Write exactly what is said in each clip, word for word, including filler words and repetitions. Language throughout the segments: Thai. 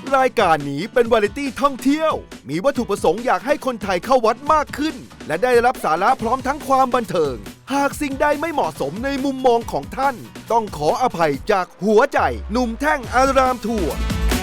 รายการนี้เป็นวาไรตี้ท่องเที่ยวมีวัตถุประสงค์อยากให้คนไทยเข้าวัดมากขึ้นและได้รับสาระพร้อมทั้งความบันเทิงหากสิ่งใดไม่เหมาะสมในมุมมองของท่านต้องขออภัยจากหัวใจหนุ่มแท่งอารามทัวร์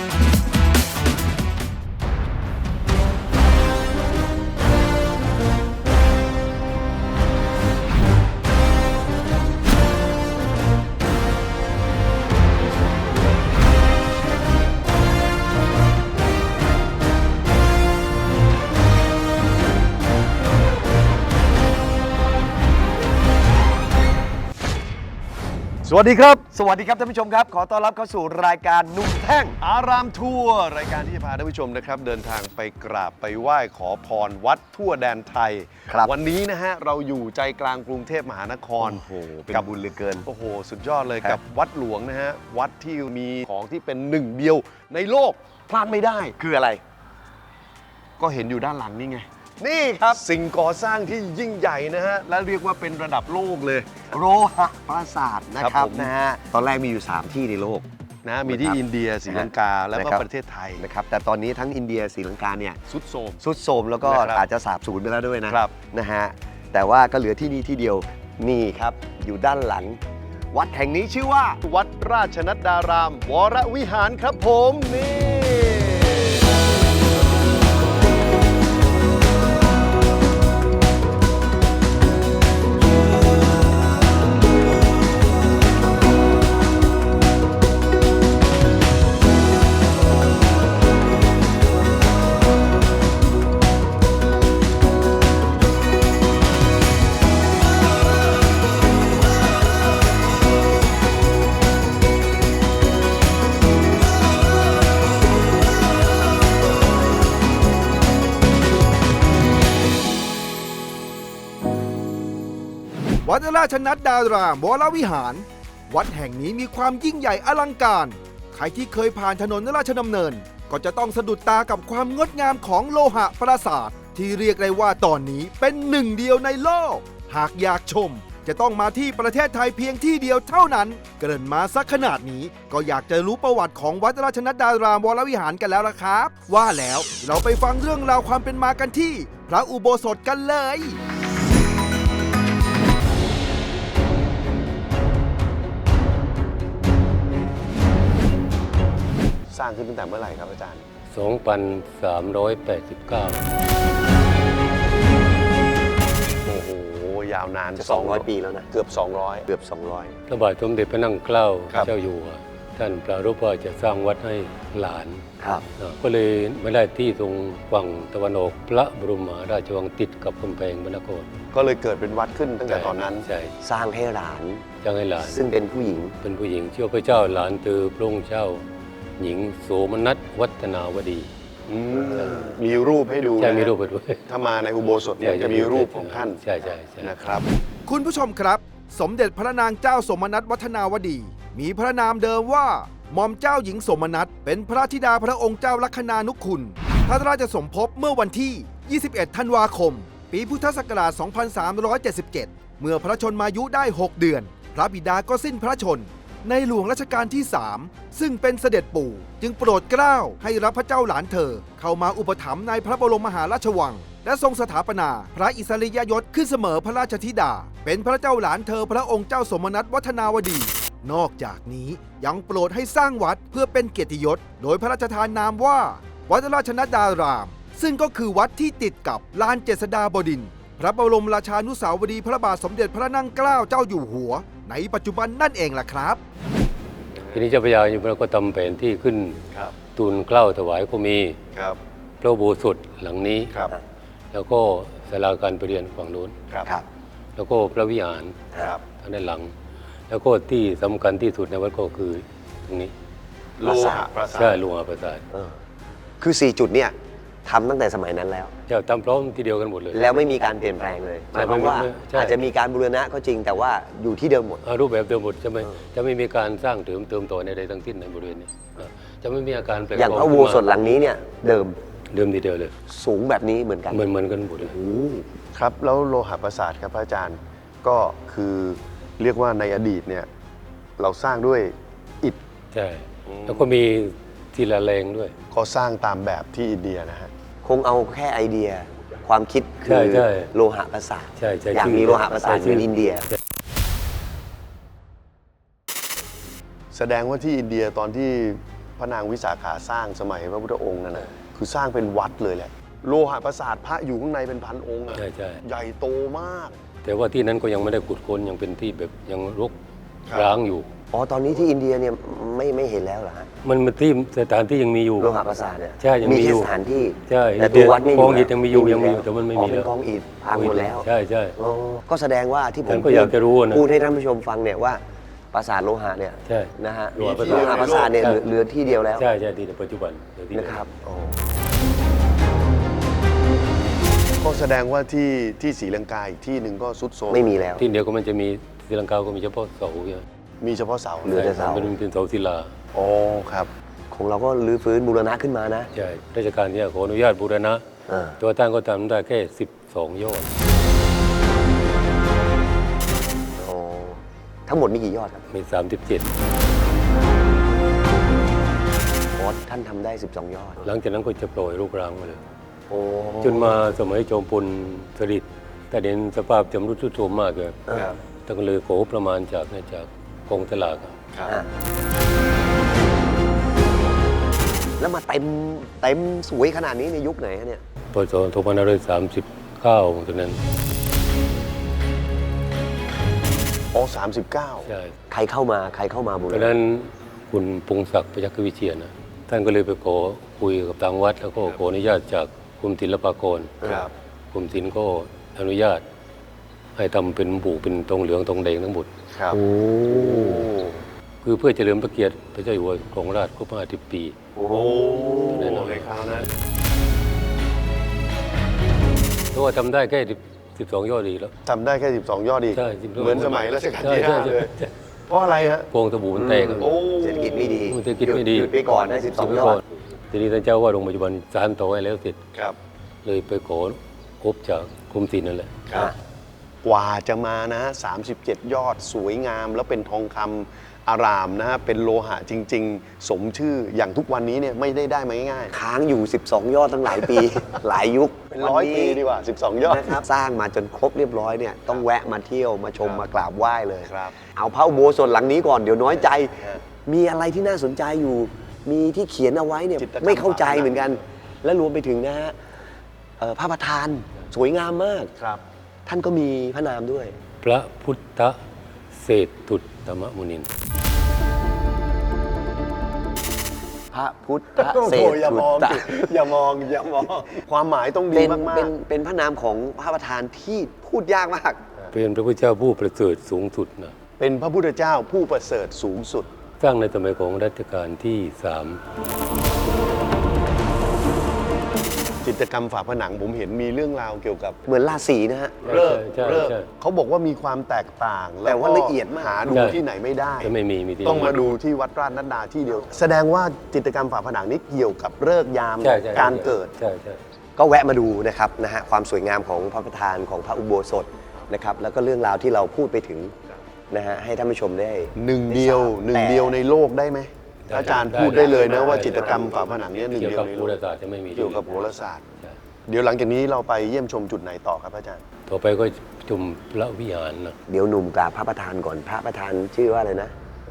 สวัสดีครับสวัสดีครับท่านผู้ชมครับขอต้อนรับเข้าสู่รายการหนุ่มแท่งอารามทัวร์รายการที่จะพาท่านผู้ชมนะครับเดินทางไปกราบไปไหว้ขอพรวัดทั่วแดนไทยครับวันนี้นะฮะเราอยู่ใจกลางกรุงเทพมหานครโอ้โหเป็นบุญเหลือเกินโอ้โหสุดยอดเลยกับวัดหลวงนะฮะวัดที่มีของที่เป็นหนึ่งเดียวในโลกพลาดไม่ได้คืออะไรก็เห็นอยู่ด้านหลังนี่ไงนี่ครับสิ่งก่อสร้างที่ยิ่งใหญ่นะฮะและเรียกว่าเป็นระดับโลกเลยโลหะปราสาทนะครับนะฮะตอนแรกมีอยู่สามที่ในโลกนะมีที่อินเดียศรีลังกาแล้วก็ประเทศไทยนะครับแต่ตอนนี้ทั้งอินเดียศรีลังกาเนี่ยสุดโทรมสุดโทรมแล้วก็อาจจะสาบสูญไปแล้วด้วยนะครับนะฮะแต่ว่าก็เหลือที่นี่ที่เดียวนี่ครับอยู่ด้านหลังวัดแห่งนี้ชื่อว่าวัดราชนัดดารามวรวิหารครับผมนี่วัดราชนัดดารามวรวิหารวัดแห่งนี้มีความยิ่งใหญ่อลังการใครที่เคยผ่านถนนราชดำเนินก็จะต้องสะดุดตากับความงดงามของโลหะปราสาทที่เรียกได้ว่าตอนนี้เป็นหนึ่งเดียวในโลกหากอยากชมจะต้องมาที่ประเทศไทยเพียงที่เดียวเท่านั้นเกริ่นมาสักขนาดนี้ก็อยากจะรู้ประวัติของวัดราชนัดดารามวรวิหารกันแล้วล่ะครับว่าแล้วเราไปฟังเรื่องราวความเป็นมากันที่พระอุโบสถกันเลยสร้างขึ้นตั้งแต่เมื่อไหร่ครับอาจารย์สองพันสามร้อยแปดสิบเก้าโอ้โหยาวนานสองร้อยปีแล้วนะเกือบสองร้อยเกือบสองร้อยพระบาทสมเด็จพระนั่งเกล้าครับเจ้าอยู่หัวท่านปรารภว่าจะสร้างวัดให้หลานครับอ่าก็เลยไม่ได้ที่ตรงฝั่งตะวันออกพระบรมมหาราชวังติดกับกำแพงพระนครก็เลยเกิดเป็นวัดขึ้นตั้งแต่ตอนนั้นใช่สร้างให้หลานจ้างให้หลานซึ่งเป็นผู้หญิงเป็นผู้หญิงชื่อพระเจ้าหลานตือพระองค์เจ้าหญิงโสมนัสวัฒนาวดีมีรูปให้ดูใช่มีรูปไปด้วยถ้ามาในอุโบสถเนี่ยจะมีรูปของท่านใช่ใช่ใช่นะครับคุณผู้ชมครับสมเด็จพระนางเจ้าสมนัสวัฒนาวดีมีพระนามเดิมว่าหม่อมเจ้าหญิงสมนัสเป็นพระธิดาพระองค์เจ้าลัคนานุคุณพระราชสมภพเมื่อวันที่ ยี่สิบเอ็ด ธันวาคม ปีพุทธศักราช สองพันสามร้อยเจ็ดสิบเจ็ด เมื่อพระชนมายุได้ หก เดือน พระบิดาก็สิ้นพระชนในหลวงรัชกาลที่ สาม ซึ่งเป็นเสด็จปู่จึงโปรดเกล้าให้รับพระเจ้าหลานเธอเข้ามาอุปถัมภ์ในพระบรมมหาราชวังและทรงสถาปนาพระอิสริยยศขึ้นเสมอพระราชธิดาเป็นพระเจ้าหลานเธอพระองค์เจ้าสมนัสวัฒนาวดีนอกจากนี้ยังโปรดให้สร้างวัดเพื่อเป็นเกียรติยศโดยพระราชทานนามว่าวัดราชนัดดารามซึ่งก็คือวัดที่ติดกับลานเจษฎาบดินทร์พระบรมราชานุสาวรีย์พระบาทสมเด็จพระนั่งเกล้าเจ้าอยู่หัวในปัจจุบันนั่นเองล่ะครับทีนี้เจ้าพระยาอยู่พระก็ทำแผนที่ขึ้นครับทูลเกล้าถวายก็มีครับพระอุโบสถหลังนี้ครับแล้วก็ศาลาการประเรียนฝั่งโน้นครับแล้วก็พระวิหารครับทางด้านหลัง แล้วก็ที่สำคัญที่สุดในวัดก็คือตรงนี้โลหะปราสาทใช่โลหะปราสาทเออคือสี่จุดเนี่ยทำตั้งแต่สมัยนั้นแล้วเจ้าทำพร้อมทีเดียวกันหมดเลยแล้วไม่มีการเปลี่ยนแปลงเลยหมายความว่าใช่อาจจะมีการบูรณะก็จริงแต่ว่าอยู่ที่เดิมหมดอ่ารูปแบบเดิมหมดใช่ไหมเออจะไม่มีการสร้างเติมเติมต่อในใดทั้งสิ้นในบริเวณนี้อ่าจะไม่มีอาการแปลกอย่างพระอุโบสถหลังนี้เนี่ยเดิมเดิมทีเดียวเลยสูงแบบนี้เหมือนกันเหมือนเหมือนกันหมดเลยโอ้ครับแล้วโลหะปราสาทครับพระอาจารย์ก็คือเรียกว่าในอดีตเนี่ยเราสร้างด้วยอิฐใช่แล้วก็มีทีละแรงด้วยก็สร้างตามแบบที่อินเดียนะฮะคงเอาแค่ไอเดียความคิดคืใช่อใช่โลหะประสาทใช่ใช่อยากชื่อมีโลหะประสาทใช่เหมือนชื่ออินเดียแสดงว่าที่อินเดียตอนที่พระนางวิสาขาสร้างสมัยพระพุทธองค์นั่นนะคือสร้างเป็นวัดเลยแหละโลหะประสาทพระอยู่ข้างในเป็นพันองค์อะใช่ใช่ใหญ่โตมากแต่ว่าที่นั้นก็ยังไม่ได้ขุดค้นยังเป็นที่แบบยังรกครับร้างอยู่อ๋อ ตอนนี้ที่อินเดียเนี่ยไม่ไม่เห็นแล้วเหรอฮะมันมันที่สถานที่ยังมีอยู่โลหะประสาทเนี่ยใช่ยังมีมีอแค่ยู่สถานที่ใช่แต่ตัววัดไม่กองอิฐแล้วยังมีอยู่ยังมีอยู่แต่มันไม่มีอ๋อเป็แล้นวกองอิฐพังหมดแล้วใช่ใช่อ๋อก็แสดงว่าที่ผมฉันก็อยากจะรู้นะพูดให้ท่านผู้ชมฟังเนี่ยว่าปราสาทโลหะเนี่ยใช่นะฮะโลหะประโลสาทหะประสาทเนี่ยใช่เหลือเหลือที่เดียวแล้วใช่ใช่ที่ในปัจจุบันเดี๋ยวที่นะครับอ๋อก็แสดงว่าที่ที่ศรีลังกาอีกที่หนึ่งก็สุดโทรมไม่มีแล้วที่เดียวก็มันจะมีศรีลังกาก็มีเฉพาะเสาใช่ไหมมีเฉพาะเสาเหลือแต่เสาเป็นเป็นเสาศิลาอ๋อครับของเราก็รื้อฟื้นบูรณะขึ้นมานะใช่ราชการเนี่ยขออนุญาตบูรณะอ่าตัวตั้งก็ทำได้แค่สิบสองยอดอ๋อทั้งหมดมีกี่ยอดครับมีสามสิบเจ็ดโค้ชท่านทำได้สิบสองยอดหลังจากนั้นก็จะปล่อยลูกรังมาเลยโอ้จนมาสมัยจอมพลสฤษดิ์แต่เห็นสภาพจำรุดทรุดโทรมมากเลยครับท่านก็เลยขอประมาณจากเนี่ยจากกองสลากอะครับอ่ะแล้วมาเต็มเต็มสวยขนาดนี้ในยุคไหนฮะเนี่ยพศสองพันห้าร้อยสามสิบเก้าตอนนั้นอ๋อสามสิบเก้าใช่ใครเข้ามาใครเข้ามาบูรตอนณะนั้นคุณพงศักดิ์ประยักษ์วิเชียรนะท่านก็เลยไปขอคุยกับทางวัด แล้วก็ขออนุญาตจากกรมศิลปากรครับกรมศิลป์ก็อนุญาต ให้ทำเป็นบุเป็นตรงเหลืองตรงแดงทั้งหมดครับโอ้คือเพื่อเฉลิมพระเกียรติพระเจ้าอยู่หัวของราชครบห้าสิบปีโอ้ในคราวนั้นเพราะว่าทำได้แค่สิบสองยอดดีแล้วทำได้แค่สิบสองยอดดีใช่สิบสองเหมือนสมัยรัชกาลใช่ที่ใช่ห้าใช่เลยใช่เพราะอะไรฮะโพรงสบู่มันแตกอะโอ้เศรษฐกิจไม่ดีเศรษฐกิจไม่ดีหยุดไปก่อนได้สิบสองยอดทีนี้ท่านเจ้าว่าโรงพยาบาลสานต่อให้แล้วเสร็จครับเลยไปขอครบจากกรมศิลป์นั่นแหละครับ กว่าจะมานะฮะสามสิบเจ็ดยอดสวยงามแล้วเป็นทองคำอารามนะฮะเป็นโลหะจริง ๆ สมชื่ออย่างทุกวันนี้เนี่ยไม่ได้ได้มาง่ายค้างอยู่ สิบสอง ยอดตั้งหลายปี หลายยุคๆเป็นร้อยปีดีกว่าสิบสองยอดนะครับสร้างมาจนครบเรียบร้อยเนี่ยต้องแวะมาเที่ยวมาชมครับมากราบไหว้เลยครับเอาพระอุโบสถหลังนี้ก่อนเดี๋ยวน้อยใจฮะมีอะไรที่น่าสนใจอยู่ มีที่เขียนเอาไว้เนี่ยจิตรกรรมไม่เข้าใจฝาผนังเหมือนกัน และรวมไปถึงนะฮะเอ่อพระประธานสวยงามมากครับท่านก็มีพระนามด้วยพระพุทธเศรษฐุตตมมุนินพระพุทธโอ้เศรโหษอย่าฐุมองตะสิอย่ามองอย่ามองความหมายต้องดีเป็นมากเป็นเป็นพระนามของพระประธานที่พูดยากมากเป็นพระพุทธเจ้าผู้ประเสริฐสูงสุดนะๆ เป็นพระพุทธเจ้าผู้ประเสริฐสูงสุดสร้างในสมัยของรัชกาลที่สามจิตรกรรมฝาผนังผมเห็นมีเรื่องราวเกี่ยวกับเหมือนราศีนะฮะเลิกใช่เลิกใช่เขาบอกว่ามีความแตกต่างแต่ว่าก็ละเอียดมากหาดูใช่ที่ไหนไม่ได้จะไม่มีมีที่ต้องมาดูที่วัดราชนัดดาที่เดียว แสดงว่าจิตรกรรมฝาผนังนี้เกี่ยวกับเลิกษ์ยามใช่ใช่การเกิดใช่ใช่ก็แวะมาดูนะครับนะฮะความสวยงามของพระประธานของพระอุโบสถนะครับแล้วก็เรื่องราวที่เราพูดไปถึงนะฮะให้ท่านผู้ชมได้หนึ่งเดียวหนึ่งเดียวในโลกได้ไหมอาจารย์พูดได้เลยนะว่าจิตรกรรมฝาผนังเนี้หนึ่งเกี่ยวเดียวกับในโหโลราก ศาสตร์จะไม่มีเกี่ยวกับโหราศาสตร์ใช่เดี๋ยวหลังจากนี้เราไปเยี่ยมชมจุดไหนต่อครับอาจารย์ต่อไปก็ชมพระวิหารนะเดี๋ยวหนุ่มกราบพระประธานก่อนพระประธานชื่อว่าอะไรนะ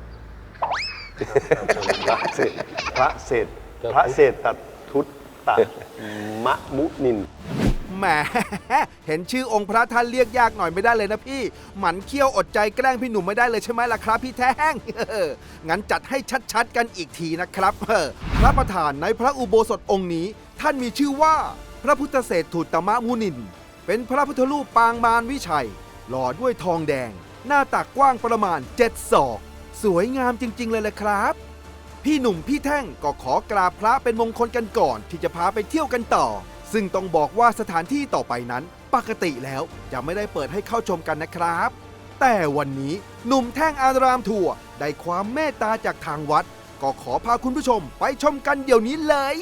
พระเศรษพระเศรษพระเศรษฐทุตตะมะมุนินแหม เห็นชื่อองค์พระท่านเรียกยากหน่อยไม่ได้เลยนะพี่ หมันเขี้ยวอดใจแกล้งพี่หนุ่มไม่ได้เลยใช่ไหมล่ะครับพี่แท่ง งั้นจัดให้ชัดๆกันอีกทีนะครับเออพระประธานในพระอุโบสถองค์นี้ ท่านมีชื่อว่าพระพุทธเศรษฐุตมมุนิน เป็นพระพุทธรูปปางมารวิชัย หล่อด้วยทองแดง หน้าตักกว้างประมาณเจ็ดศอก สวยงามจริง ๆ เลยแหละครับ พี่หนุ่มพี่แท่งก็ขอกราบพระเป็นมงคลกันก่อนที่จะพาไปเที่ยวกันต่อ ซึ่งต้องบอกว่าสถานที่ต่อไปนั้น ปกติแล้วจะไม่ได้เปิดให้เข้าชมกันนะครับ แต่วันนี้หนุ่มแท่งอารามทัวร์ได้ความเมตตาจากทางวัด ก็ขอพาคุณผู้ชมไปชมกันเดี๋ยวนี้เลย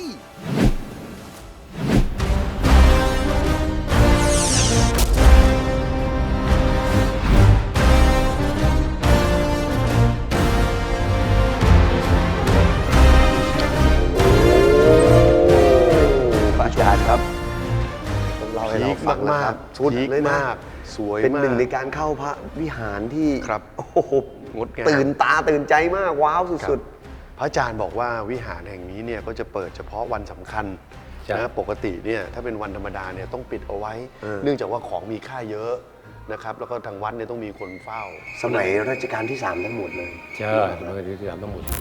ฟังแล้วครับๆสุดพีคเลยนะมากสวยเป็นมากหนึ่งในการเข้าพระวิหารที่ครับโอ้โหงดงามตื่นตาตื่นใจมากว้าวสุดพระอาจารย์บอกว่าวิหารแห่งนี้เนี่ยก็จะเปิดเฉพาะวันสำคัญใช่นะปกติเนี่ยถ้าเป็นวันธรรมดาเนี่ยต้องปิดเอาไว้ เนื่องจากว่าของมีค่าเยอะนะครับแล้วก็ทางวัดเนี่ยต้องมีคนเฝ้าๆ สมัยรัชกาลที่สามทั้งหมดเลยใช่มันก็ที่ทำทั้งหมด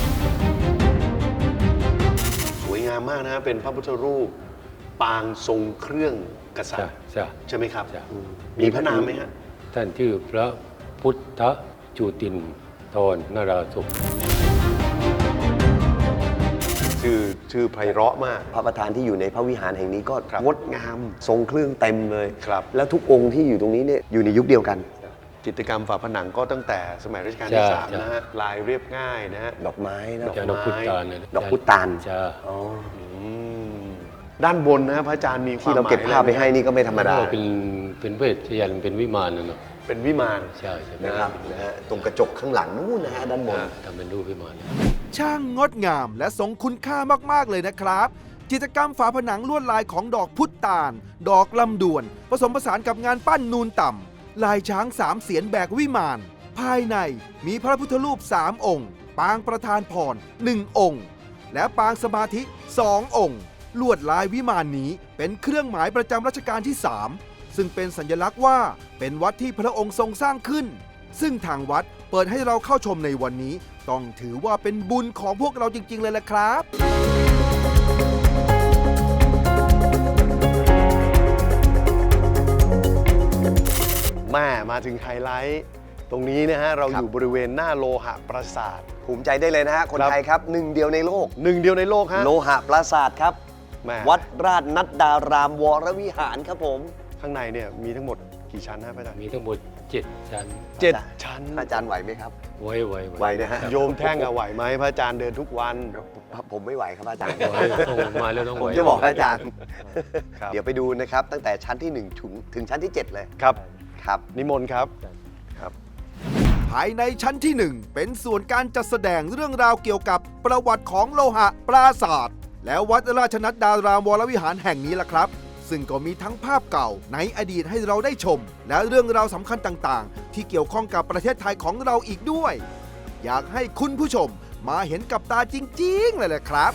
สวยงามมากนะเป็นพระพุทธรูป ปางทรงเครื่องกษัตใช่ริย์ใช่ใช่ไหมครับใช่มีพระนามไหมฮะท่านชื่อพระพุทธจุตินทรนราศุขชื่อชื่อไพเราะมากพระประธานที่อยู่ในพระวิหารแห่งนี้ก็ครับงดงามทรงเครื่องเต็มเลยครับแล้วทุกองค์ที่อยู่ตรงนี้เนี่ยอยู่ในยุคเดียวกันจิตรกรรมฝาผนังก็ตั้งแต่สมัยรัชกาลที่สามนะฮะลายเรียบง่ายนะฮะดอกไม้นะดอกจากดอกพุตานเนี่ยดอกพุตานใช่อ๋ออืมด้านบนนะฮะพระอาจารย์มีความที่เราเก็บหมยภาพไปให้นี่ก็ไม่ธรรมดาก็เป็นเป็นเวชยันต์เป็นวิมานนะเนาะเป็นวิมานใช่ใช่นะครับนะฮะตรงกระจกข้างหลังนู่นนะฮะด้านบนทำเป็นรูปวิมานช่างงดงามและทรงคุณค่ามาก ๆ เลยนะครับ จิตรกรรมฝาผนังลวดลายของดอกพุตาน ดอกลำดวน ผสมผสานกับงานปั้นนูนต่ำ ลายช้างสามเสียนแบกวิมาน ภายในมีพระพุทธรูปสามองค์ ปางประธานพรหนึ่งองค์ และปางสมาธิสององค์ ลวดลายวิมานนี้เป็นเครื่องหมายประจำรัชกาลที่สามซึ่งเป็นสัญลักษณ์ว่าเป็นวัดที่พระองค์ทรงสร้างขึ้น ซึ่งทางวัดเปิดให้เราเข้าชมในวันนี้ ต้องถือว่าเป็นบุญของพวกเราจริง ๆ เลยละครับแม่มาถึงไฮไลท์ ตรงนี้นะฮะเราครัอบ ยู่บริเวณหน้าโลหะปราสาทภูมิใจได้เลยนะฮะ คนครับไทยครับหนึ่งเดียวในโลกหนึ่งเดียวในโลกฮะโลหะปราสาทครับแม่วัดราชนัดดารามวรวิหารครับผมข้างในเนี่ยมีทั้งหมดกี่ชั้นนะพระอาจารย์มีทั้งหมดเจ็ดชั้นเจ็ดชั้นอาจารย์ไหวไหมครับไว้ไว้ไหวนะฮะโยมแท่งอะไหวไหมพระอาจารย์เดินทุกวันผมไม่ไหวครับอาจารย์ไว้ต้องมาแล้วต้องผไหวมจะบอกอาจารย์ครับเดี๋ยวไปดูนะครับ ตั้งแต่ชั้นที่หนึ่งถึงถึงชั้นที่เจ็ดเลยครับครับนิมนต์ครับครับภายในชั้นที่หนึ่งเป็นส่วนการจัดแสดงเรื่องราวเกี่ยวกับประวัติของโลหะปราสาท และวัดราชนัดดารามวรวิหารแห่งนี้ล่ะครับ ซึ่งก็มีทั้งภาพเก่าในอดีตให้เราได้ชม และเรื่องราวสำคัญต่างๆ ที่เกี่ยวข้องกับประเทศไทยของเราอีกด้วย อยากให้คุณผู้ชมมาเห็นกับตาจริง ๆ เลยแหละครับ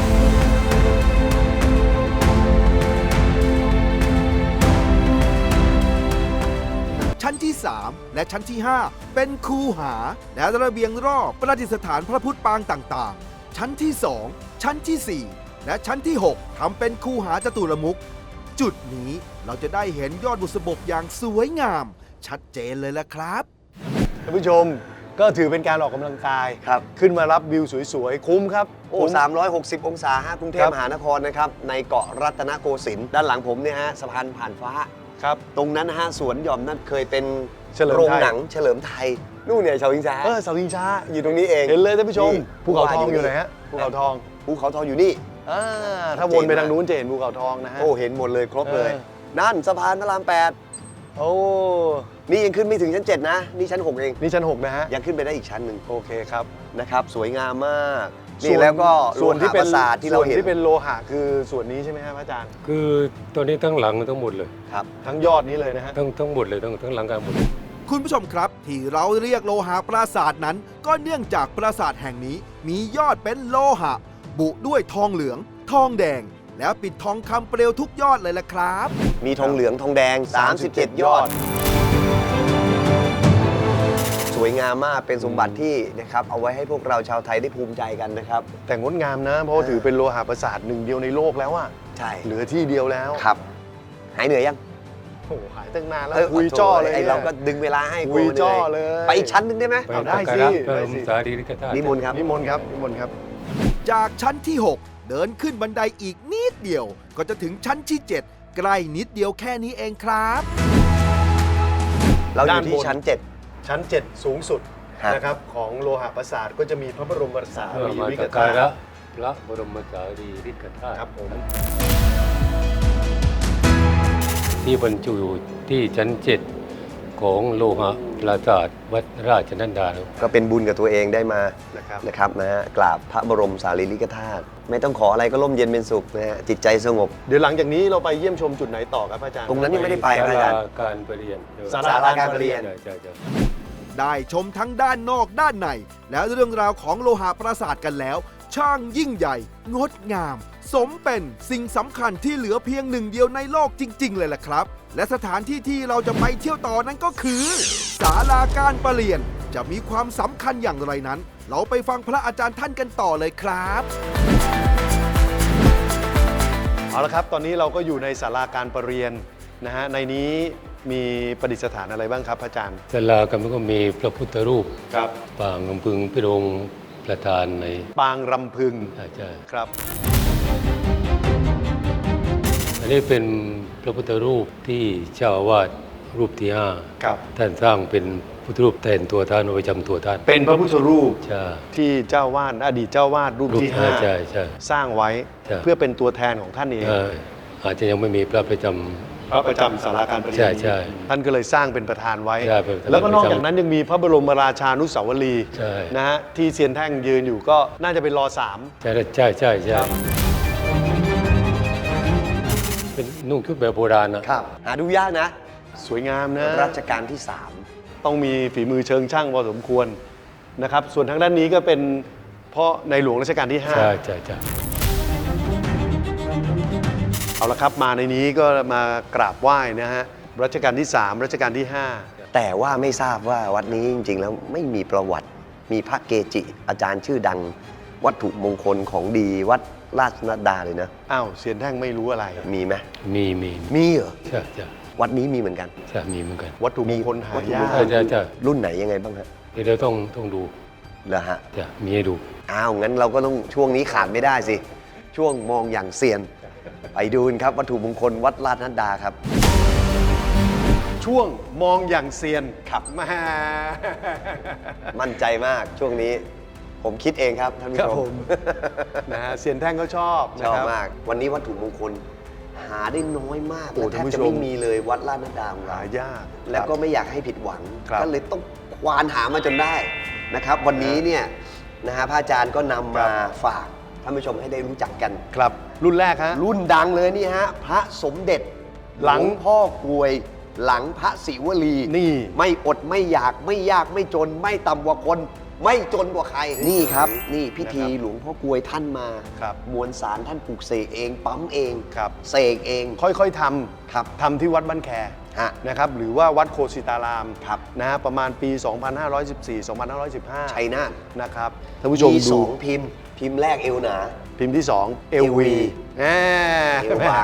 ชั้นที่ สาม และชั้นที่ ห้า เป็นคูหา และระเบียงรอบประดิษฐานพระพุทธปางต่างๆ ชั้นที่ สอง ชั้นที่ สี่ และชั้นที่ หก ทำเป็นคูหาจตุรมุข จุดนี้เราจะได้เห็นยอดบุษบกอย่างสวยงาม ชัดเจนเลยละครับท่านผู้ชมก็ถือเป็นการออกกำลังกายครับขึ้นมารับวิวสวยๆ คุ้มครับโอ้คุ้มสามร้อยหกสิบองศาฮะกรุงเทคพรับมหานครนะครับ ในเกาะรัตนโกสินทร์ด้านหลังผมเนี่ยฮะสะพานผ่านฟ้าครับตรงนั้นนะฮะสวนหย่อมนั่นเคยเป็นเฉลิมไทยโรงหนังเฉลิมไทย นู่นเนี่ยชาวอิงซาเออเสาชิงช้าอยู่ตรงนี้เองเห็นเลยท่านผู้ชมนี่ภูเขาทองว่าอยู่อยู่ไหนฮะภูเขาทองภูเขาทองอยู่นี่อ่าถ้าวนไปทางนู้นจะเห็นภูเขาทองนะฮะโอ้เห็นหมดเลยครบเลยเออนั่นสะพานพระรามแปดโอ้นี่ยังขึ้นไม่ถึงชั้นเจ็ดนะ นี่ชั้นหกเองนี่ชั้นหกนะฮะยังขึ้นไปได้อีกชั้นหนึ่งโอเคครับนะครับ สวยงามมากส่นี่วนแล้วก็ส่วนที่เป็นโลหะปราสาทที่เราเห็นส่วนที่เป็นโลหะคือส่วนนี้ใช่ไหมฮะพระอาจารย์คือตัวนี้ทั้งหลังทั้งหมดเลยครับทั้งยอดนี้เลยนะฮะทั้งทั้งหมดเลยทั้งทั้งหลังการหมดเลยคุณผู้ชมครับ ที่เราเรียกโลหะปราสาทนั้น ก็เนื่องจากปราสาทแห่งนี้มียอดเป็นโลหะ บุด้วยทองเหลือง ทองแดง แล้วปิดทองคำเปลวทุกยอดเลยล่ะครับมีทองเหลืองทองแดง สามสิบเจ็ด ยอด สวยงามมากเป็นสมบัติที่นะครับเอาไว้ให้พวกเราชาวไทยได้ภูมิใจกันนะครับแต่งดงามนะ เพราะว่าถือเป็นโลหะประสาทหนึ่งเดียวในโลกแล้วอะใช่เหลือที่เดียวแล้วครับ หายเหนื่อยยังโอ้โหหายตั้งนานแล้วเออคุยจ้อเลยไอนี่เราก็ดึงเวลาให้คุยกลัวหนื่จ้อเลยไปอีกชั้นหนึงได้ไหมไปเอาได้สักสิการะพได้ระสิสารีริกธาตุนิมนต์ครับนิมนต์ครับนิมนต์ครับจากชั้นที่ หก เดินขึ้นบันไดอีกนิดเดียว ก็จะถึงชั้นที่ เจ็ด ใกล้นิดเดียวแค่นี้เองครับเราอด้ายู่นที่บนชั้นเจ็ดชั้นเจ็ดสูงสุดฮะนะครับของโลหะประสาทก็จะมีพระบรมสาเพื่อรีมาริสักกกาธาตุระพระบรมสารีริกธาตุครับผมที่บรรจุอยู่ที่ชั้นเจ็ดของโลหะปราสาทวัดราชนันดาก็เป็นบุญกับตัวเองได้มานะครับนะครับนะฮะกราบพระบรมสารีริกธาตุไม่ต้องขออะไรก็ร่มเย็นเป็นสุขนะฮะจิตใจสงบเดี๋ยวหลังจากนี้เราไปเยี่ยมชมจุดไหนต่อครับอาจารย์ตรงนั้นยังไม่ได้ไปครับอาจารย์ศลการประเรียนศาศาลาการประเรียนใช่ใช่ใช่ได้ชมทั้งด้านนอกด้านใน และเรื่องราวของโลหะปราสาทกันแล้ว ช่างยิ่งใหญ่ งดงาม สมเป็นสิ่งสำคัญที่เหลือเพียงหนึ่งเดียวในโลกจริง ๆ เลยล่ะครับ และสถานที่ที่เราจะไปเที่ยวต่อนั้นก็คือศาลาการประเรียนจะมีความสำคัญอย่างไรนั้น เราไปฟังพระอาจารย์ท่านกันต่อเลยครับเอาละครับตอนนี้เราก็อยู่ในศาลาการประเรียนนะฮะในนี้มีประดิษฐานอะไรบ้างครับอาจารย์ศาลากันก็มีพระพุทธรูปครับปางลำพึงพิรงค์ประธานในปางรำพึงใช่ใช่ครับอันนี้เป็นพระพุทธรูปที่เจ้าอาวาสรูปที่ห้าครับท่านสร้างเป็นพุทธรูปแทนตัวท่านเอาไว้จำตัวท่านเป็นพระพุทธรูปใช่ที่เจ้าวาดอดีตเจ้าวาดรูปที่ห้าใช่ใช่สร้างไว้ใช่เพื่อเป็นตัวแทนของท่านเองเอ่ออาจจะยังไม่มีพระประจพระประจำศาลาการประเรียนใช่ใช่ท่านก็เลยสร้างเป็นประธานไว้ใช่เป็นประธานแล้วก็นอกจากนั้นยังมีพระบรมราชานุสาวรีย์ใช่นะฮะที่เซียนแท่งยืนอยู่ก็น่าจะเป็นรอสามำใช่ใช่ใช่ใช่เป็นนุ่งชุดแบบโบราณนะครับหาดูยากนะสวยงามนะรัชกาลที่สามต้องมีฝีมือเชิงช่างพอสมควรนะครับ ส่วนทางด้านนี้ก็เป็นพ่อในหลวงรัชกาลที่ห้าใช่ใช่ใช่เอาละครับมาในนี้ก็มากราบไหว้นะฮะรัชกาลที่สามรัชกาลที่ห้าแต่ว่าไม่ทราบว่าวัดนี้จริงๆแล้วไม่มีประวัติ มีพระเกจิ อาจารย์ชื่อดัง วัตถุมงคลของดีวัดราชนัดดาเลยนะอ้าวเซียนแท่งไม่รู้อะไรมีไหมมีมีมีเหรอใช่ใช่วัดนี้มีเหมือนกันใช่มีเหมือนกันวัตถุมงคลหายากใช่ใช่ใช่รุ่นไหนยังไงบ้างฮะเดี๋ยวต้องต้องดูเหรอฮะจะมีให้ดูอ้าวงั้นเราก็ต้องช่วงนี้ขาดไม่ได้สิ ช่วงมองอย่างเซียน ไปดูกันครับวัตถุมงคลวัดราชนัดดาครับช่วงมองอย่างเซียนครับแม่มั่นใจมากช่วงนี้ ผมคิดเองครับท่านผู้ครับชผม มนะฮะเซียนแท่งก็ชอบชนะอบครับมาก วันนี้วัตถุมงคลหาได้น้อยมากโอ้และแทท่านบผู้จะชมไม่มีเลยวัดราชนัดดาของเราหายากแล้วก็ไม่อยากให้ผิดหวังครับก็เลยต้องควานหามาจนได้นะครับ วันนี้เนี่ยนะฮะพระอาจารย์ก็นำมาฝากท่านผู้ชมให้ได้รู้จักกันครับรุ่นแรกฮะรุ่นดังเลยนี่ฮะพระสมเด็จหลังวพ่อกรวย หลังพระศิวลีนี่ไม่อดไม่อยากไม่ยากไม่จน ไม่ต่ำกว่าคน ไม่จนกว่าใคร นี่ครับ นี่พิธีนะครับหลวงพ่อกรวยท่านมาครับมวลสารท่านปลูกเสกเอง ปั๊มเองครับเสกเองค่อยๆทำครับทำที่วัดบ้านแคฮะนะครับหรือว่าวัดโคสิตารามครับนะฮะประมาณปี สองพันห้าร้อยสิบสี่ สองพันห้าร้อยสิบห้าชัยนาทนะครับท่านผู้ชมมีสดูองพิมพ์ พิมพ์แรกเอวหนาพิมพ์ที่สองเอเอลวีวีแหมเอวบาง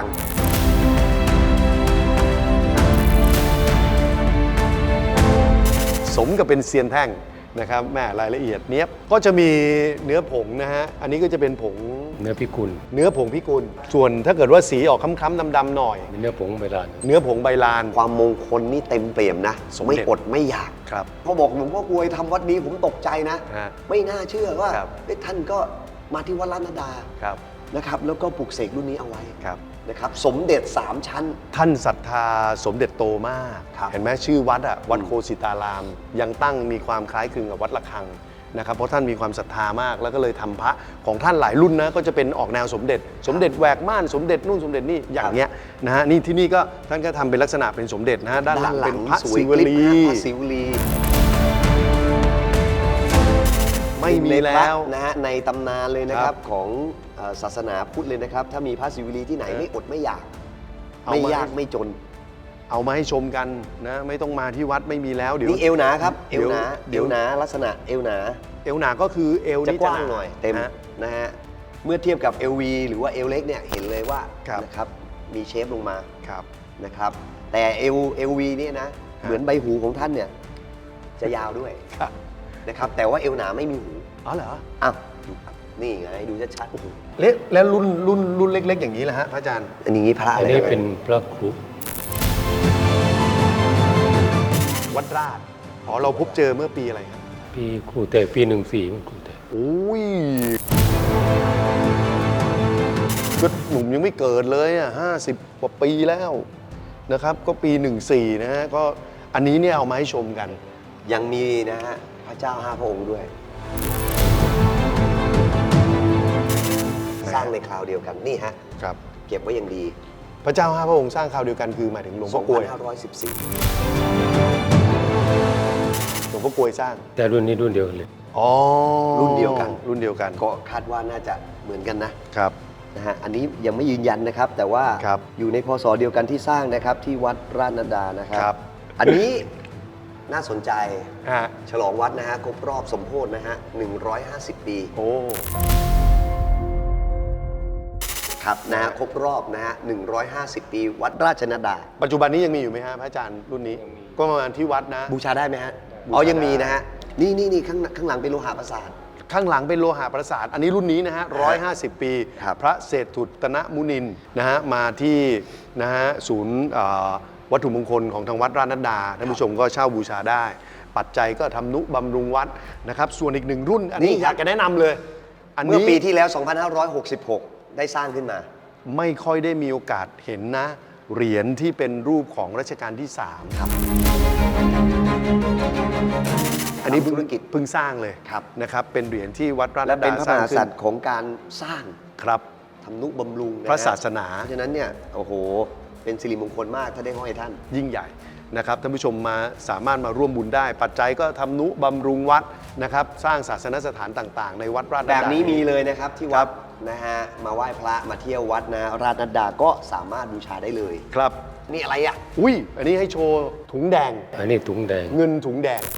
สมกับเป็นเซียนแท่งนะครับแม่รายละเอียดเนี้ยบก็จะมีเนื้อผงนะฮะอันนี้ก็จะเป็นผงเนื้อพิกุลเนื้อผงพิกุล ส่วนถ้าเกิดว่าสีออกคล้ำๆดำๆหน่อยมีเนื้อผงใบลานเนื้อผงใบลานความมงคลนี่เต็มเปี่ยมนะสมเด็จไม่อดไม่อยากครับพอบอกหลวงพ่อกรวยทำวัดนี้ผมตกใจนะฮะไม่น่าเชื่อว่าครับเอ๊ะท่านก็มาที่วัดราชนัดดาครับนะครับ แล้วก็ปลูกเสกรุ่นนี้เอาไว้ครับนะครับ สมเด็จสามชั้นท่านศรัทธาสมเด็จโตมากครับเห็นไหมชื่อวัดอะวัดโคสิตาราม ยังตั้งมีความคล้ายคลึงกับวัดระฆังนะครับเพราะท่านมีความศรัทธามาก แล้วก็เลยทำพระของท่านหลายรุ่นนะก็จะเป็นออกแนวสมเด็จ สมเด็จแหวกม่านสมเด็จนู่นสมเด็จนี่อย่างเงี้ยนะฮะนี่ที่นี่ก็ท่านก็ทำเป็นลักษณะเป็นสมเด็จนะฮะด้านหลังเป็นพระสวยศิวกริบลีนะพระศิวลีไม่มีในพระแล้วนะฮะในตำนานเลยนะคครัรับบ ของเอ่อศาสนาพุทธเลยนะครับ ถ้ามีพระศิวลีที่ไหนเออไม่อดไม่อยากเอาไม่มายากไม่จนเอามาให้ชมกันนะไม่ต้องมาที่วัดไม่มีแล้วเดี๋ยวนี่เอวหนาครับ เอเดี๋ยววหนาเดี๋เอยววหนาลักษณะเอวหนาเอวหนาก็คือเอวจะนี่กว้างหหน่อยเต็มนะนะฮะเมื่อเทียบกับเอลวีหรือว่าเอลเล็กเนี่ยเห็นเลยว่าครับนะครับมีเชฟลงมาครับนะครับ แต่เอลเอลวีเนี่ยนะเหมือนใบหูของท่านเนี่ยจะยาวด้วยครับนะครับ แต่ว่าเอวหนาไม่มีหูอ๋อเหรออ้าวดูครับนี่ไงดูชัดๆโอ้โหเล็กแล้วรุ่นรุ่นรุ่นเล็ก ๆ อย่างนี้แหละฮะพระอาจารย์อันนี้พระอะอัไรนนี้ครับเป็นพระครุวัดราชอ๋อเราพบเจอเมื่อปีอะไรครับปีครูแต่ปีหนึ่งสี่มันครูแต่โอ้ยก็หนุ่มยังไม่เกิดเลยอ่ะห้าสิบกว่าปีแล้วนะครับ ก็ปีหนึ่งสี่นะฮะก็อันนี้เนี่ยเอามาให้ชมกันยังมีนะฮะพระเจ้าห้าพระองค์ด้วย สร้างในคราวเดียวกันนี่ฮะครับเก็บไว้อย่างดีพระเจ้าห้าพระองค์สร้างคราวเดียวกันคือหมายถึงหลวงพ่อกลวยสองพันห้าร้อยสิบสี่หลวงพ่อกลวยสร้างแต่รุ่นนี้รุ่นเดียวกันเลยอ๋อรุ่นเดียวกันรุ่นเดียวกันก็คาดว่าน่าจะเหมือนกันนะครับ นะฮะอันนี้ยังไม่ยืนยันนะครับ แต่ว่าครับอยู่ในพศเดียวกันที่สร้างนะครับที่วัดราชนัดดานะครัครับอันนี้น่าสนใจฮะฉลองวัดนะฮะครบรอบสมโภชนะฮะหนึ่งร้อยห้าสิบ ปีโอ้ครับนะฮะครบรอบนะฮะหนึ่งร้อยห้าสิบ ปี วัดราชนัดดาปัจจุบันนี้ยังมีอยู่ไหมฮะพระอาจารย์รุ่นนี้ ก็ประมาณที่วัดนะบูชาได้ไหมฮะบูชาอ๋อยังมีได้นะฮะนี่นี่นี่ข้างข้างหลังเป็นโลหะประสาทข้างหลังเป็นโลหะประสาท อันนี้รุ่นนี้นะฮะร้อยห้าสิบปีครับพระเศรษฐุตนมุนินทร์นะฮะมาที่นะฮะศูนย์เอ่อวัตถุมงคลของทางวัดราชนัดดาท่านผู้ชมก็เช่าบูชาได้ ปัจจัยก็ทำนุบำรุงวัดนะครับส่วนอีกหนึ่งรุ่น อันนี้นี่อครับยากจะแนะนำเลย อันเมื่อนี้ปีที่แล้ว สองพันห้าร้อยหกสิบหก ได้สร้างขึ้นมาไม่ค่อยได้มีโอกาสเห็นนะ เหรียญที่เป็นรูปของรัชกาลที่ สามครับอันนี้เพิ่งธุรกิจเพิ่งสร้างเลยครับนะครับเป็นเหรียญที่วัดราชและนัดเป็ดานพระสมร้างหากขึ้ษันตริย์ของการสร้างครับทำนุบำรุงนฮพระศาสนาเพราะฉะนั้นเนี่ยโอ้โหเป็นสิริมงคลมากถ้าได้ห้อยท่านยิ่งใหญ่นะครับท่านผู้ชมมาสามารถมาร่วมบุญได้ ปัจจัยก็ทำนุบำรุงวัดนะครับสร้างศาสนสถานต่างๆ ในวัดราชนัดแบดาบนี้มีเลยนะครับที่วัดนะฮะมาไหว้พระมาเที่ยววัดนะราชนัดดาก็สามารถบูชาได้เลยครับนี่อะไรอ่ะอุ้ยอันนี้ให้โชว์ถุงแดงอันนี้ถุงแดงเงินถุงแดง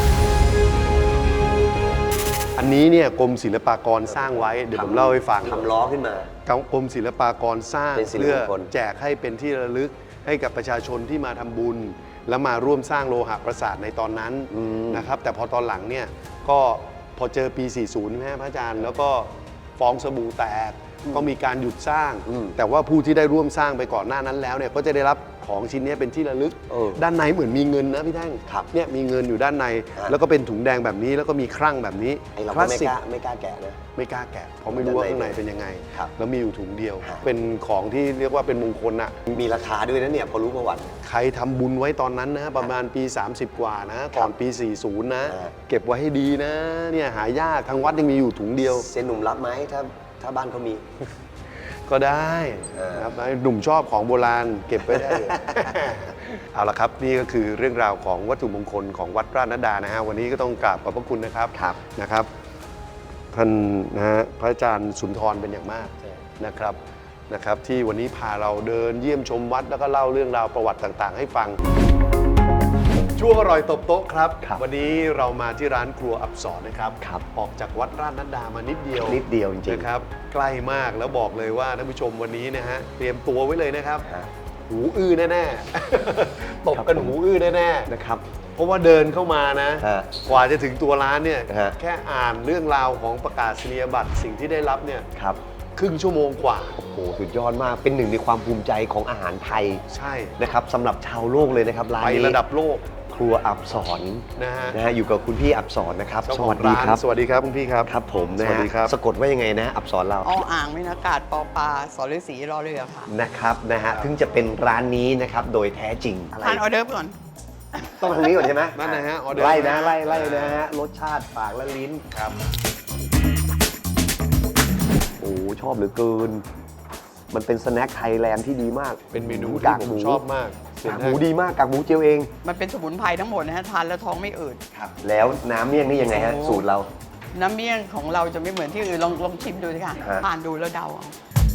อันนี้เนี่ยกรมศิลปากรสร้างไว้เดี๋ยวผมเล่าให้ฟังทำล้อขึ้นมากรมศิลปากรสร้างเป็นสิริเพื่อมงคลแจกให้เป็นที่ระลึกให้กับประชาชนที่มาทำบุญ แล้วมาร่วมสร้างโลหะประสาทในตอนนั้นนะครับแต่พอตอนหลังเนี่ยก็พอเจอปี สี่สิบ ใช่ไหมพระอาจารย์ แล้วก็ฟองสบู่แตกก็มีการหยุดสร้าง แต่ว่าผู้ที่ได้ร่วมสร้างไปก่อนหน้านั้นแล้วเนี่ยก็จะได้รับของชิ้นนี้เป็นที่ระลึกเออด้านในเหมือนมีเงินนะพี่แท่งครับเนี่ยมีเงินอยู่ด้านในอ่ะแล้วก็เป็นถุงแดงแบบนี้แล้วก็มีครั่งแบบนี้ไอเราคก็ลาสไม่สิกกล้าไม่กล้าแกะนะไม่กล้าแกะเพราะไม่รู้ว่าข้างในเป็นยังไงครับแล้วมีอยู่ถุงเดียวฮะเป็นของที่เรียกว่าเป็นมงคลอะมีราคาด้วยนะเนี่ยพอรู้ประวัติใครทำบุญไว้ตอนนั้นนะประมาณปี สามสิบ กว่านะก่อนปี สี่สิบ นะอ่าเก็บไว้ให้ดีนะเนี่ยหายากทางวัดยังมีอยู่ถุงเดียวเซนหนุ่มรับไหมถ้าถ้าบ้านเขามีก็ได้เออนะครับหนุ่มชอบของโบราณเก็บไว้ได้เลย เอาละครับนี่ก็คือเรื่องราวของวัตถุมงคลของวัดราชนัดดานะฮะวันนี้ก็ต้องกราบขอบพระคุณนะครับครับนะครับท่านนะฮะพระอาจารย์สุนทรเป็นอย่างมากนะครับนะครับที่วันนี้พาเราเดินเยี่ยมชมวัดแล้วก็เล่าเรื่องราวประวัติต่างๆ ให้ฟัง ช่วงอร่อยตบโต๊ะครับครับวันนี้เรามาที่ร้านครัวอับสรนะครับครับออกจากวัดราชนัดดามานิดเดียวนิดเดียวจริงๆนะครับใกล้มากแล้วบอกเลยว่าท่านผู้ชมวันนี้นะฮะเตรียมตัวไว้เลยนะครับฮะหูอื้อแน่ๆ ตบกันครับผมหูอื้อแน่นะครับๆเพราะว่าเดินเข้ามานะฮะกว่าจะถึงตัวร้านเนี่ยฮะแค่อ่านเรื่องราวของประกาศนียบัตรสิ่งที่ได้รับเนี่ยครับครึ่งชั่วโมงกว่าโอ้โหสุดยอดมากเป็นหนึ่งในความภูมิใจของอาหารไทยใช่นะครับสำหรับชาวโลกเลยนะครับร้านไปนี้ระดับโลกครัวอับสรนะฮะนะฮะอยู่กับคุณพี่อับสรนะครับเจ้าสของวัสดีครับร้านสวัสดีครับคุณพี่ครับครับผมนะสวัสฮะดีครับสะกดว่ายังไงนะอับสรเราออ่างไม่นากาศปอปลาสอฤาษีรอเรือค่ะนะครับนะฮะถึงจะเป็นร้านนี้นะครับโดยแท้จริงอะไรทานออเดิร์ฟก่อนต้องทางนี้ก่อนใช่ไหมนั่นนะฮะออเดอร์ไล่นะไล่ไล่นะฮะรสชาติปากและลิ้นครับโอ้ชอบเหลือเกิน มันเป็นสแน็คไทยแลนด์ที่ดีมากเป็นเมนูกาที่กผหมมูชอบมากเสียกากงหมูดีมากกากหมูเจียวเองมันเป็นสมุนไพรทั้งหมดนะฮะทานแล้วท้องไม่อืดครับแล้วน้ำเมี่ยงนี่ยังไงฮะโอ้สูตรเราน้ำเมี่ยงของเราจะไม่เหมือนที่อื่นลองลองชิมดูสิค่ะฮะทานดูแล้วเดาเอา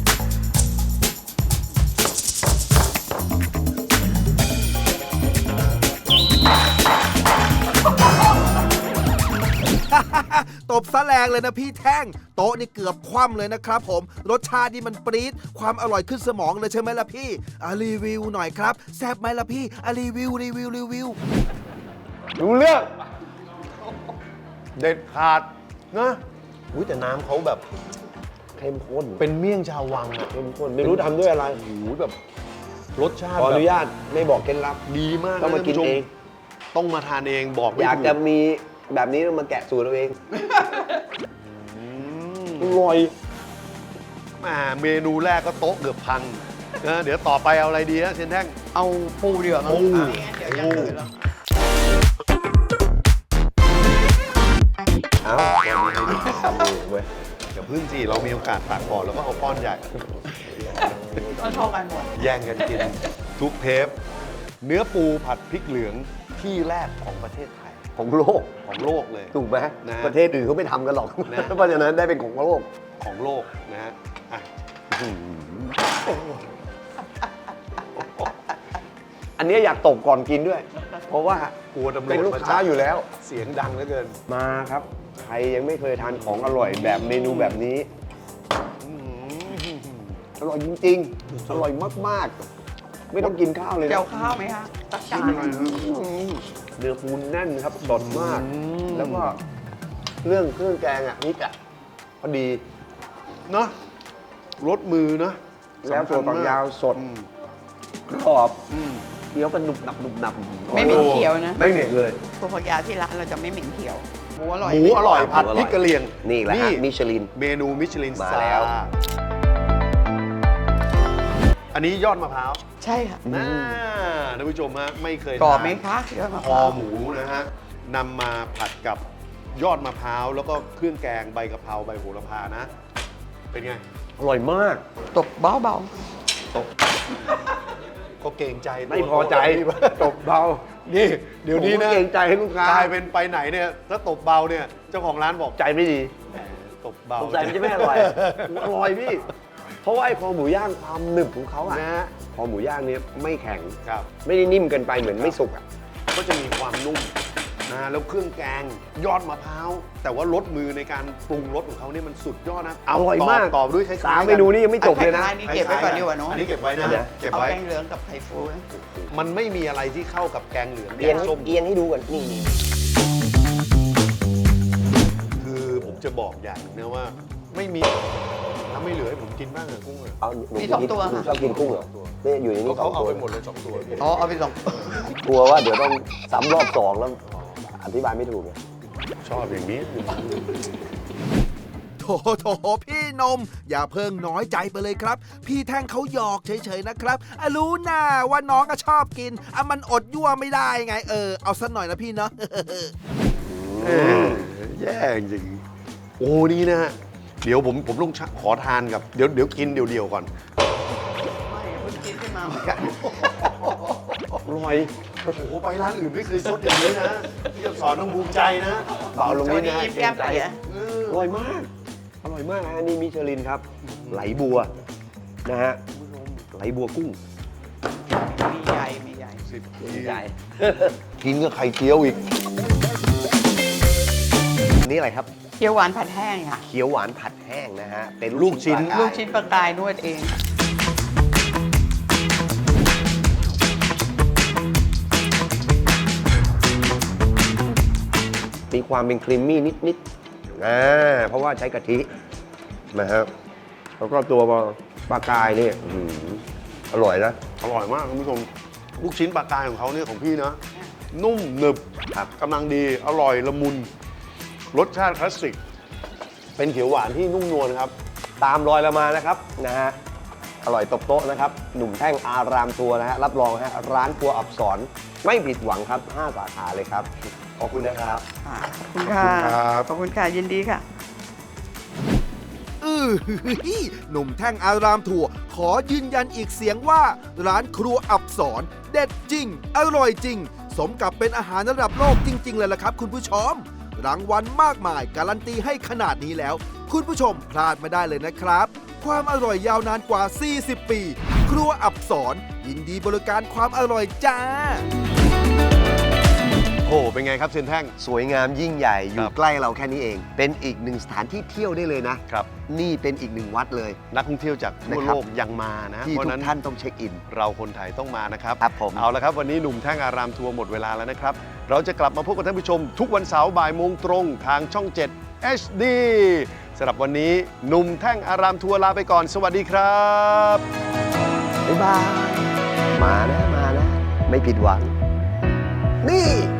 ตบซะแรงเลยนะพี่แท่ง โต๊ะนี่เกือบคว่ำเลยนะครับผม รสชาตินี่มันปรี๊ดความอร่อยขึ้นสมองเลยใช่ไหมล่ะพี่อ่ะรีวิวหน่อยครับแซ่บไหมล่ะพี่อ่ะรีวิวรีวิวรีวิวรู้เรื่องเด็ดขาดนะอุ้ยแต่น้ำเขาแบบเข้มข้นเป็นเมี่ยงชาววังอะเข้มข้นไม่รู้ทำด้วยอะไรโอ้โหแบบรสชาติขออนุแบบญาตไม่บอกเคล็ดลับดีมากต้องมากินท่ผู้ชเองต้องมาทานเองบอกไม่อยากถูจะมีแบบนี้ต้องมาแกะสูตรเราเองอืมอร่อยแหมเมนูแรกก็โต๊ะเกือบพังนะเดี๋ยวต่อไปเอาอะไรดีนะเชนแท่งเอาปูเดือดมาปูเดี๋ยวอยังอื่นแล้วพึ่งสิเรามีโอกาสตักก่อนแล้วก็เอาป้อนใหญ่ก็เท่ากันหมดแย่งกันกิน ทุกเทป เนื้อปูผัดพริกเหลืองที่แรกของประเทศไทยของโลกของโลกเลยถูกไหมนะประเทศอื่นเขาไม่ทำกันหรอกนะเพราะฉะนั้นได้เป็นของโลกของโลกนะฮะอ่ะอันนี้อยากตกก่อนกินด้วย เพราะว่ากลัวตำรวจเป็นลูกค้าอยู่แล้วเสียงดังเหลือเกินมาครับ ใครยังไม่เคยทานของอร่อยแบบเมนูแบบนี้ อร่อยจริงๆ อร่อยมากๆ ไม่ต้องกินข้าวเลยนะเจียวข้าวไหมคะตักจานเนื้อปูแน่นครับสดมาก แล้วก็เรื่องเครื่องแกงอ่ะพริกอ่ะพอดีเนาะรสมือเนาะแล้วตัวฝักยาวสดอืมกรอบอืมเคี้ยวกันหนุบหนับหนุบหนับไม่เหม็นเขียวนะไม่เหม็นเลยพวกผักยาที่ร้านเราจะไม่เหม็นเขียวหมูอร่อยหมูอร่อยผัดหมูอร่อยพริกกะเหรี่ยงนี่แหละฮะมิชลินเมนูมิชลินมาสตาร์แล้วอันนี้ยอดมะพร้าวใช่ค่ะน่าท่านผู้ชมฮะไม่เคยกรอบทานไหมคะยอดมะคพอร้าวหมูนะฮะนำมาผัดกับยอดมะพร้าวแล้วก็เครื่องแกงใบกะเพราใบโหระพานะ เป็นไงอร่อยมากตบเบาเบาก็เกรงใจตัวไม่พอใจ ตบเบานี่เดี๋ยวนี้ผมก็นะเกรงใจให้ลูกค้ากลายเป็นไปไหนเนี่ยถ้าตบเบาเนี่ยเจ้าของร้านบอกใจไม่ดีแหมตบเบาสงสัยมันจะไม่อร่อย อร่อยพี่ เพราะว่าไอ้คอหมูย่างความหนึบของเขาอะนะฮะคอหมูย่างเนี่ยไม่แข็งครับไม่ได้นิ่มเกินไปเหมือนไม่สุกอะก็จะมีความนุ่มนะแล้วเครื่องแกงยอดมะพร้าวแต่ว่ารสมือในการปรุงรสของเขาเนี่ยมันสุดยอดนะอร่อยมากตอบด้วยคล้ายๆสามเมนูนี้ยังไม่จบเลยนะอันนี้เก็บไว้ก่อนดีกว่าเนาะอันนี้เก็บไว้นะเดี๋ยวเก็บเอาไว้แกงเหลืองกับไข่ฟูนะมันไม่มีอะไรที่เข้ากับแกงเหลืองเอียงแกงส้มเอียงให้ดูก่อนนี่นี่คือผมจะบอกอย่างหนึงนะว่า ไม่มีถ้าไม่เหลือให้ผมกินบ้างอะกุ้งอะเอาหนูมีสองตัวหนูค่ะชอบกินกุ้งเหรอเนี่ยอยู่ในนี้สเขาองเอาตัวไปหมดเลยสองตัวพี่อ๋อเอาไปสองกลัวว่าเดี๋ยวต้องซ้ำรอบสองแล้วอธิบายไม่ถูกไงชอบอย่างนี้โถโถพี่นม อย่าเพิ่งน้อยใจไปเลยครับ พี่แท่งเขาหยอกเฉยๆนะครับอ่ะรู้น่าว่าน้องก็ชอบกินอ่ะมันอดยั่วไม่ได้ไงเออเอาสักหน่อยนะพี่เนาะเออแย่จริงโอ้นี่นะฮะเดี๋ยวผมผมต้องขอทานกับเดี๋ยวเดี๋ยวกินเดียวๆก่อนไม่เพิ่งกินขึ้นมาเหมือนกันอร่อยโอ้โหไปร้านอื่นไม่เคยซดอย่างนี้นะพี่จะสอนต้องภูมิใจนะเบาลงนิดนะยิ้มแย้มไปอะเอออร่อยมาก อร่อยมากนะอันนี้มิชลินครับ ไหลบัวนะฮะไหลบัวกุ้งมีใหญ่มีใหญ่สิบใหญ่กินกับไข่เจียวอีกนี่อะไรครับเคี่ยวหวานผัดแห้งค่ะเขียวหวานผัดแห้งนะฮะ เป็นลูกชิ้นปลากายลูกชิ้นปลากายนวดเองมีความเป็นครีมมี่นิดๆอ่าเพราะว่าใช้กะทินะฮะแล้วก็ตัวปลากายนี่อื้อหืออร่อยนะอร่อยมากคุณผู้ชมลูกชิ้นปลากายของเขาเนี่ยของพี่นะ นุ่มหนึบครับกำลังดีอร่อยละมุน รสชาติคลาสสิก เป็นเขียวหวานที่นุ่มนวลครับตามรอยเรามานะครับนะฮะอร่อยตบโต๊ะนะครับ หนุ่มแท่งอารามทัวร์นะฮะรับรองฮะร้านครัวอับสรไม่ผิดหวังครับห้าสาขาเลยครับ ขอบคุณนะครับค่ะขอบคุณค่ะครับขอบคุณค่ะ ยินดีค่ะอือหือหนุ่มแท่งอารามถั่วขอยืนยันอีกเสียงว่า ร้านครัวอับสรเด็ดจริง อร่อยจริง สมกับเป็นอาหารระดับโลกจริง ๆ เลยล่ะครับคุณผู้ชม รางวัลมากมายการันตีให้ขนาดนี้แล้ว คุณผู้ชมพลาดไม่ได้เลยนะครับ ความอร่อยยาวนานกว่า สี่สิบ ปี ครัวอับสรยินดีบริการความอร่อยจ้าโอ้โหเป็นไงครับเซนแท่งสวยงามยิ่งใหญ่อคยู่รับใกล้เราแค่นี้เอง เป็นอีกหนึ่งสถานที่เที่ยวได้เลยนะครับนี่เป็นอีกหนึ่งวัดเลยนักท่องเที่ยวจากทั่วนะครับโลกยังมานะที่เพราะทุฉะกนั้นท่านต้องเช็คอินเราคนไทยต้องมานะครับครับผมเอาละครับ วันนี้หนุ่มแท่งอารามทัวร์หมดเวลาแล้วนะครับ เราจะกลับมาพบกับท่านผู้ชม ทุกวันเสาร์บ่ายโมงตรงทางช่อง เจ็ด เอช ดี สำหรับวันนี้หนุ่มแท่งอารามทัวร์ลาไปก่อน สวัสดีครับบ๊ายบาย มานะ มานะ ไม่ผิดหวัง นี่